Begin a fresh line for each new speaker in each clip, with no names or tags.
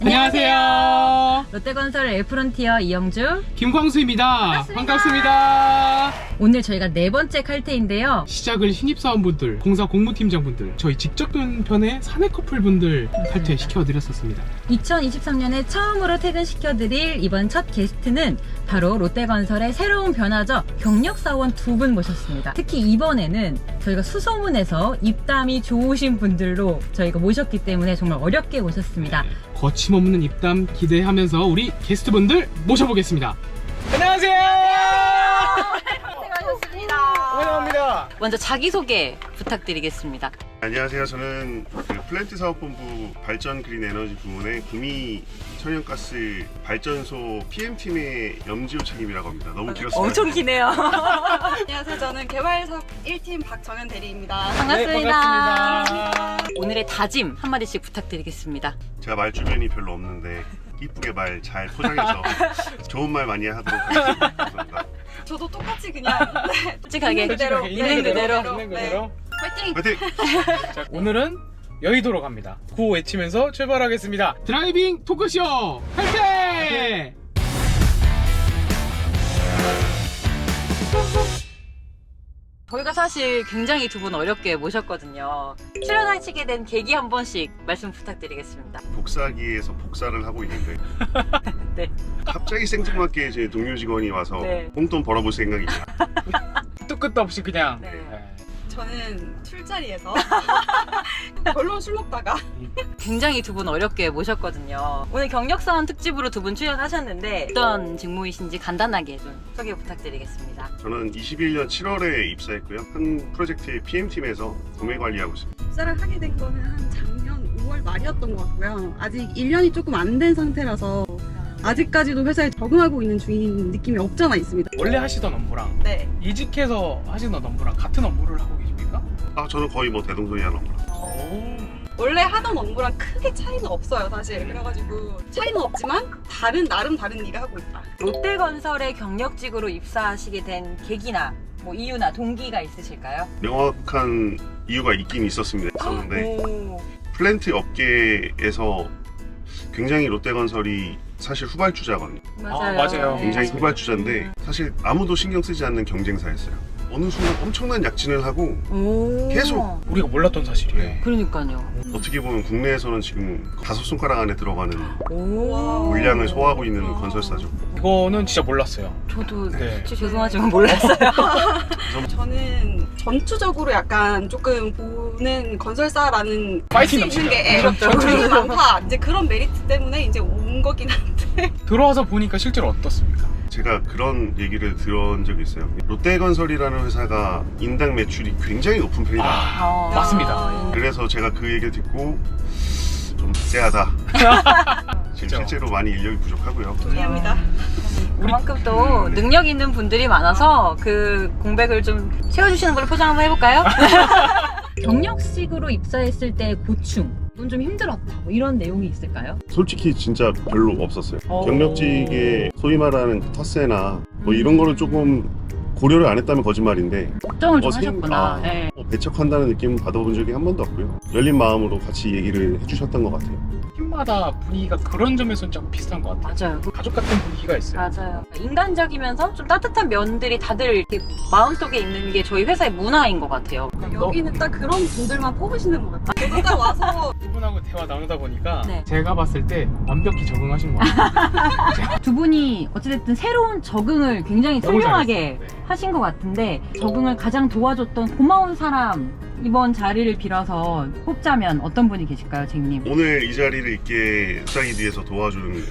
안녕하세요.
롯데건설 엘프론티어 이영주,
김광수입니다. 반갑습니다.
오늘 저희가 네 번째 칼퇴인데요.
시작을 신입사원분들, 공사 공무팀장분들, 저희 직접 편의 사내 커플분들 칼퇴 시켜드렸었습니다.
2023년에 처음으로 퇴근시켜드릴 이번 첫 게스트는 바로 롯데건설의 새로운 변화죠. 경력사원 두 분 모셨습니다. 특히 이번에는 저희가 수소문에서 입담이 좋으신 분들로 저희가 모셨기 때문에 정말 어렵게 모셨습니다.
거침없는 입담 기대하면서 우리 게스트분들 모셔보겠습니다. 안녕하세요.
고생하셨습니다.
환영합니다.
먼저 자기소개 부탁드리겠습니다.
안녕하세요. 저는 플랜트 사업본부 발전 그린 에너지 부문의 구미 천연가스 발전소 PM팀의 염지호 책임이라고 합니다. 너무 길었습니다.
엄청 기네요.
안녕하세요. 저는 개발사업 1팀 박정현 대리입니다.
반갑습니다.
반갑습니다.
오늘의 다짐 한마디씩 부탁드리겠습니다.
제가 말 주변이 별로 없는데 이쁘게 말 잘 포장해서 좋은 말 많이 하도록 하겠습니다. 감사합니다.
저도 똑같이 그냥
솔직하게
있는 그대로.
있는 그대로.
화이팅!
화이팅!
자, 오늘은 여의도로 갑니다. 구호 외치면서 출발하겠습니다. 드라이빙 토크쇼 칼퇴!
저희가 사실 굉장히 두 분 어렵게 모셨거든요. 출연하시게 된 계기 한 번씩 말씀 부탁드리겠습니다.
복사기에서 복사를 하고 있는데
네.
갑자기 생뚱맞게 제 동료 직원이 와서
네.
용돈 벌어볼 생각입니다.
끝도 끝도 없이 그냥
네.
저는 술자리에서 별로 술 먹다가
굉장히 두 분 어렵게 모셨거든요. 오늘 경력사원 특집으로 두 분 출연하셨는데 어떤 직무이신지 간단하게 좀 소개 부탁드리겠습니다.
저는 21년 7월에 입사했고요. 한 프로젝트의 PM팀에서 구매 관리하고 있습니다.
입사를 하게 된 거는 한 작년 5월 말이었던 것 같고요. 아직 1년이 조금 안 된 상태라서 아직까지도 회사에 적응하고 있는 중인 느낌이 없잖아 있습니다.
원래 하시던 업무랑
네.
이직해서 하시던 업무랑 같은 업무를 하고 계십니까?
저는 거의 뭐 대동소이한 업무라.
원래 하던 업무랑 크게 차이는 없어요, 사실. 그래가지고 차이는 없지만 나름 다른 일을 하고 있다.
롯데건설의 경력직으로 입사하시게 된 계기나 뭐 이유나 동기가 있으실까요?
명확한 이유가 있긴 있었는데
오.
플랜트 업계에서 굉장히 롯데건설이 사실 후발주자거든요.
맞아요.
네.
굉장히 후발주자인데 사실 아무도 신경 쓰지 않는 경쟁사였어요. 어느 순간 엄청난 약진을 하고
오.
계속.
우리가 몰랐던 사실이에요.
그러니까요.
어떻게 보면 국내에서는 지금 5손가락 안에 들어가는
오.
물량을 소화하고 있는 건설사죠.
이거는 진짜 몰랐어요.
저도
네.
솔직히 죄송하지만 몰랐어요.
저는 전투적으로 약간 조금 보는 건설사라는
파이팅
할수 있는
넘치죠.
게 전투력이 많다. 이제 그런 메리트 때문에 이제 온 거긴 한데.
들어와서 보니까 실제로 어떻습니까?
제가 그런 얘기를 들은 적이 있어요. 롯데건설이라는 회사가 인당 매출이 굉장히 높은 편이다.
아,
맞습니다.
그래서 제가 그 얘기를 듣고 좀 쎄하다. 지금
그죠.
실제로 많이 인력이 부족하고요.
동의합니다.
그만큼 또 능력 있는 분들이 많아서 그 공백을 좀 채워주시는 걸로 포장 한번 해볼까요? 경력직으로 입사했을 때 고충, 이건 좀 힘들었다, 뭐 이런 내용이 있을까요?
솔직히 진짜 별로 없었어요.
오.
경력직의 소위 말하는 텃세나 뭐 이런 거를 조금 고려를 안 했다면 거짓말인데
걱정을 좀
생-
하셨구나. 네.
배척한다는 느낌 받아본 적이 한 번도 없고요. 열린 마음으로 같이 얘기를 해주셨던 것 같아요.
팀마다 분위기가 그런 점에서는 조금 비슷한 것 같아요.
맞아요.
가족 같은 분위기가 있어요.
맞아요. 인간적이면서 좀 따뜻한 면들이 다들 이렇게 마음속에 있는 게 저희 회사의 문화인 것 같아요.
여기는 딱 그런 분들만 뽑으시는 것 같아요. 저도 딱 와서
이분하고 대화 나누다 보니까
네.
제가 봤을 때 완벽히 적응하신 것 같아요.
두 분이 어찌됐든 새로운 적응을 굉장히
너무
훌륭하게
잘했어요. 네.
하신 것 같은데 적응을 가장 도와줬던 고마운 사람 이번 자리를 빌어서 뽑자면 어떤 분이 계실까요, 쟁님?
오늘 이 자리를 있게 수사기 뒤에서 도와주는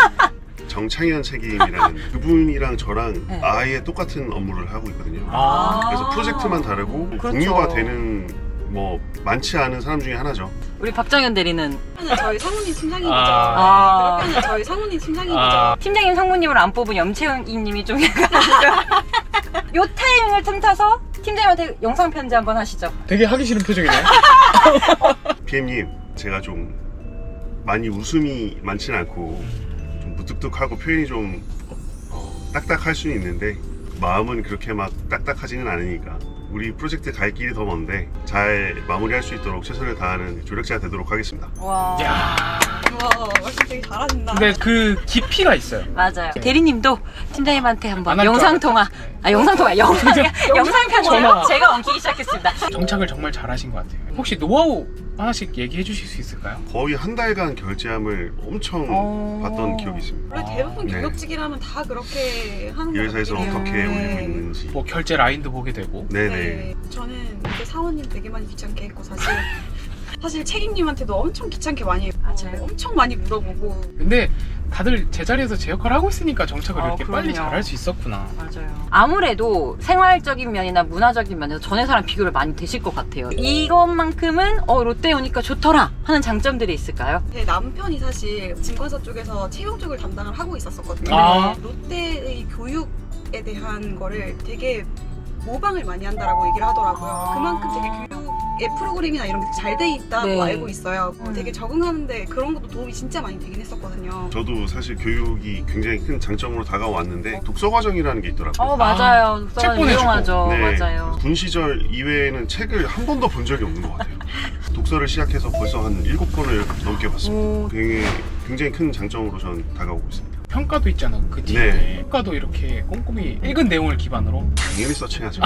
정창현 책임이라는 그분이랑 저랑
네.
아예 똑같은 업무를 하고 있거든요.
아,
그래서 프로젝트만 다르고
그렇죠.
공유가 되는 뭐 많지 않은 사람 중에 하나죠.
우리 박정현 대리는
그러면 저희 상훈이 팀장님이죠.
아.
그러면 저희 상훈이 팀장님이죠.
아.
팀장님 상무님을 안 뽑은 염채은님이 좀 약간 요 타이밍을 틈타서 팀장님한테 영상 편지 한번 하시죠.
되게 하기 싫은 표정이네요.
PM님, 제가 좀 많이 웃음이 많지는 않고 좀 무뚝뚝하고 표현이 좀 딱딱할 수는 있는데 마음은 그렇게 막 딱딱하지는 않으니까 우리 프로젝트 갈 길이 더 먼데 잘 마무리할 수 있도록 최선을 다하는 조력자가 되도록 하겠습니다.
와.
야.
우와, 말씀 되게 잘하신다.
근데 그 깊이가 있어요.
맞아요. 대리님도 팀장님한테 한번
안할
영상
줄
통화. 영상 통화. 영상
전화.
통화. 제가 엉키기 시작했습니다.
정착을 정말 잘하신 것 같아요. 혹시 노하우 하나씩 얘기해 주실 수 있을까요?
거의 한 달간 결제함을 엄청 봤던 기억이 있습니다.
원래 대부분
네.
경력직이라면 다 그렇게 하는
이
것
회사에서
같아요.
어떻게 올리고 있는지.
뭐 결제 라인도 보게 되고.
네네.
네. 저는 이제 사원님 되게 많이 귀찮게 했고 사실 책임님한테도 엄청 귀찮게 많이 했고
맞아요.
엄청 많이 물어보고
근데 다들 제자리에서 제 역할을 하고 있으니까 정착을 이렇게
그럼요.
빨리 잘할 수 있었구나.
맞아요. 아무래도 생활적인 면이나 문화적인 면에서 전 회사랑 비교를 많이 되실 것 같아요. 이것만큼은 롯데에 오니까 좋더라 하는 장점들이 있을까요?
제 남편이 사실 증권사 쪽에서 채용 쪽을 담당을 하고 있었거든요.
아.
롯데의 교육에 대한 거를 되게 모방을 많이 한다라고 얘기를 하더라고요. 그만큼 되게 교육의 프로그램이나 이런 게 잘 돼 있다고
네.
알고 있어요. 되게 적응하는데 그런 것도 도움이 진짜 많이 되긴 했었거든요.
저도 사실 교육이 굉장히 큰 장점으로 다가왔는데 독서 과정이라는 게 있더라고요.
맞아요.
책
독서관
보내주고.
유용하죠.
네.
맞아요.
군 시절 이외에는 책을 한 번도 본 적이 없는 것 같아요. 독서를 시작해서 벌써 한 7권을 넘게 봤습니다.
오.
굉장히 큰 장점으로 저는 다가오고 있습니다.
평가도 있잖아. 그 뒤에
네.
평가도 이렇게 꼼꼼히 읽은 내용을 기반으로.
당연히 서칭하죠.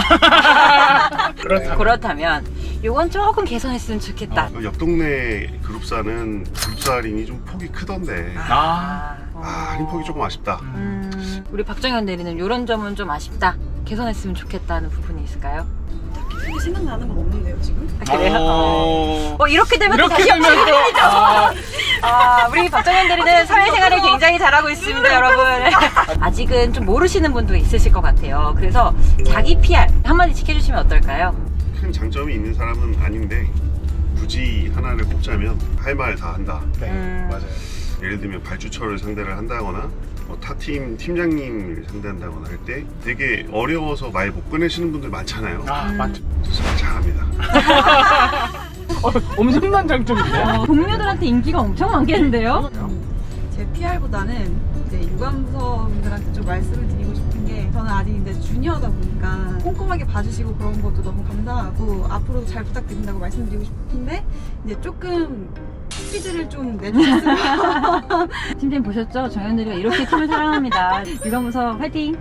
그렇다면 요건 조금 개선했으면 좋겠다.
옆 동네 그룹사는 그룹사 할인이 좀 폭이 크던데 할인 폭이 조금 아쉽다.
우리 박정현 대리는 이런 점은 좀 아쉽다. 개선했으면 좋겠다는 부분이 있을까요?
딱히 크게 생각나는 건 없는데요 지금?
그래요? 이렇게 되면 또
이렇게
다시
되면 또
우리 박정현 대리는 사회생활을 굉장히 잘하고 있습니다, 여러분. 아직은 좀 모르시는 분도 있으실 것 같아요. 그래서 자기 PR 한마디씩 해주시면 어떨까요?
큰 장점이 있는 사람은 아닌데 굳이 하나를 꼽자면 할 말 다 한다.
네, 맞아요.
예를 들면 발주처를 상대를 한다거나 타팀 팀장님을 상대한다거나 할 때 되게 어려워서 말 못 꺼내시는 분들 많잖아요.
맞죠.
저 잘합니다.
엄청난 장점인데.
동료들한테 인기가 엄청 많겠는데요?
제 PR보다는 이제 유관부서분들한테 좀 말씀을 드리고 싶은 게 저는 아직 이제 주니어다 보니까 꼼꼼하게 봐주시고 그런 것도 너무 감사하고 앞으로도 잘 부탁드린다고 말씀드리고 싶은데 이제 조금 퀴즈를 좀 내주셨으면.
팀장님 보셨죠? 정현 대리가 이렇게 팀을 사랑합니다. 유관부서 화이팅!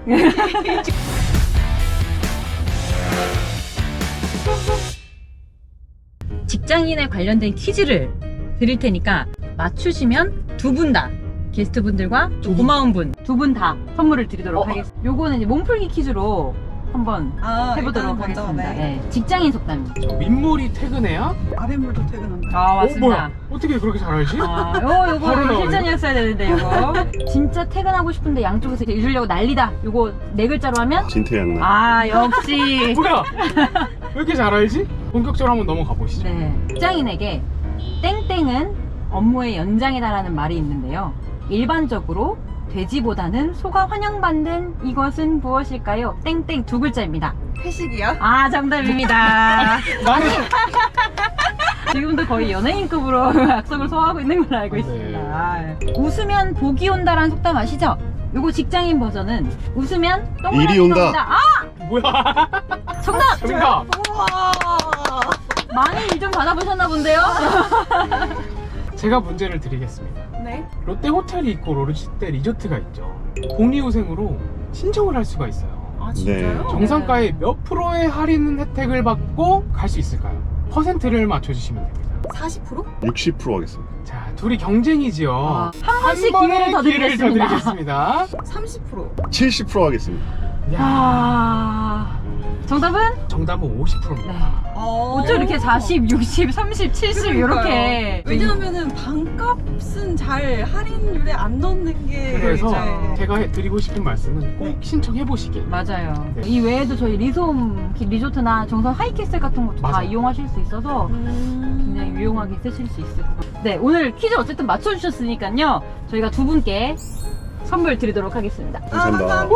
직장인에 관련된 퀴즈를 드릴 테니까 맞추시면 두 분 다 게스트분들과 또 고마운 분 두 분 다 선물을 드리도록 하겠습니다. 요거는 이제 몸풀기 퀴즈로 한번 해보도록
일단은 먼저,
하겠습니다.
네.
네, 직장인 속담입니다.
저 민물이 퇴근해야?
아랫물도 퇴근한다.
맞습니다.
뭐야? 어떻게 그렇게 잘 알지?
요거
바로 나오네.
실전이었어야 되는데 요거 진짜 퇴근하고 싶은데 양쪽에서 잊으려고 난리다. 요거 네 글자로 하면
진퇴양난.
역시
뭐야? 왜 이렇게 잘 알지? 본격적으로 한번 넘어가 보시죠.
네. 직장인에게 땡땡은 업무의 연장이다라는 말이 있는데요. 일반적으로 돼지보다는 소가 환영받는 이것은 무엇일까요? 땡땡 두 글자입니다.
회식이야?
정답입니다.
나는
지금도 거의 연예인급으로 약속을 소화하고 있는 걸로 알고 있습니다. 웃으면 복이 온다라는 속담 아시죠? 요거 직장인 버전은 웃으면 똥을
일이 온다.
온다.
뭐야?
정답!
정답.
우와.
많이 일 좀 받아보셨나 본데요?
제가 문제를 드리겠습니다.
네.
롯데 호텔이 있고 롯데 리조트가 있죠. 복리후생으로 신청을 할 수가 있어요.
아 진짜요?
네.
정상가의 몇 프로의 할인 혜택을 받고 갈 수 있을까요? 퍼센트를 맞춰주시면 됩니다.
40%?
60% 하겠습니다.
자, 둘이 경쟁이지요.
한 번씩
번의
기회를 더 드리겠습니다.
드리겠습니다.
30%.
70% 하겠습니다.
야, 정답은?
정답은 50%입니다.
네.
어.
어쩜 이렇게 40, 60, 30, 70 이렇게.
왜냐하면은 반값은 잘 할인율에 안 넣는 게
그래서
이제
제가 드리고 싶은 말씀은 꼭 신청해 보시길.
맞아요.
네.
이 외에도 저희 리솜 리조트나 정선 하이캐슬 같은 것도 다
맞아요.
이용하실 수 있어서 굉장히 유용하게 쓰실 수 있을 것 같아요. 네, 오늘 퀴즈 어쨌든 맞춰주셨으니까요. 저희가 두 분께 선물 드리도록 하겠습니다.
감사합니다.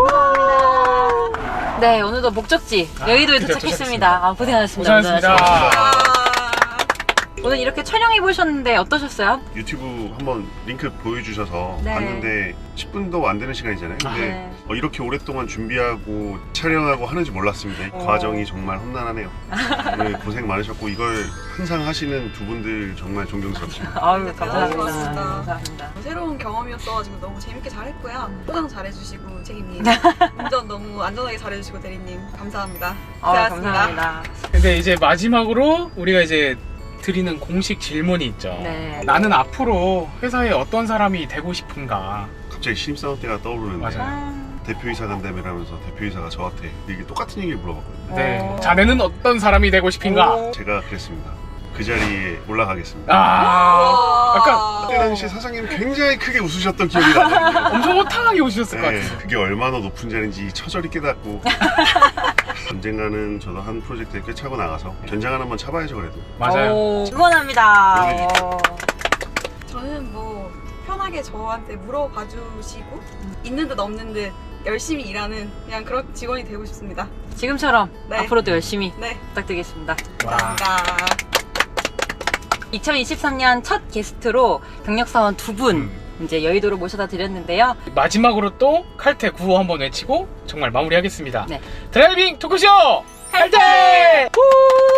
네, 오늘도 목적지 여의도에
드디어
도착했습니다. 고생하셨습니다.
고생하셨습니다.
오늘 이렇게 촬영해 보셨는데 어떠셨어요?
유튜브 한번 링크 보여주셔서
네.
봤는데 10분도 안 되는 시간이잖아요. 근데
네.
이렇게 오랫동안 준비하고 촬영하고 하는지 몰랐습니다. 이 과정이 정말 험난하네요. 오늘 고생 많으셨고 이걸 항상 하시는 두 분들 정말 존경스럽습니다.
아유,
네,
감사합니다.
고맙습니다.
감사합니다.
새로운 경험이었어가지고 너무 재밌게 잘했고요. 포장 잘해주시고 책임님, 운전 너무 안전하게 잘해주시고 대리님 감사합니다. 고생하셨습니다.
감사합니다.
근데 이제 마지막으로 우리가 이제 드리는 공식 질문이 있죠.
네.
나는 앞으로 회사에 어떤 사람이 되고 싶은가?
갑자기 신입사원 때가 떠오르는데
맞아요.
대표이사 간다며라면서 대표이사가 저한테 이게 똑같은 얘기를 물어봤거든요.
네. 자네는 어떤 사람이 되고 싶은가?
제가 그랬습니다. 그 자리에 올라가겠습니다.
아, 아까
그때 당시 사장님 굉장히 크게 웃으셨던 기억이 나거든요.
엄청 호탕하게 오셨을 것
네,
같아요.
그게 얼마나 높은 자리인지 처절히 깨닫고 언젠가는 저도 한 프로젝트에 꿰차고 나가서 견장을 한번 차봐야죠 그래도.
맞아요.
응원합니다.
네.
저는 뭐 편하게 저한테 물어봐 주시고 있는 듯 없는 듯 열심히 일하는 그냥 그런 직원이 되고 싶습니다.
지금처럼
네.
앞으로도 열심히
네,
부탁드리겠습니다.
와.
감사합니다.
2023년 첫 게스트로 경력사원 두 분 이제 여의도로 모셔다 드렸는데요.
마지막으로 또 칼퇴 구호 한번 외치고 정말 마무리하겠습니다.
네.
드라이빙 토크쇼 칼퇴! 후!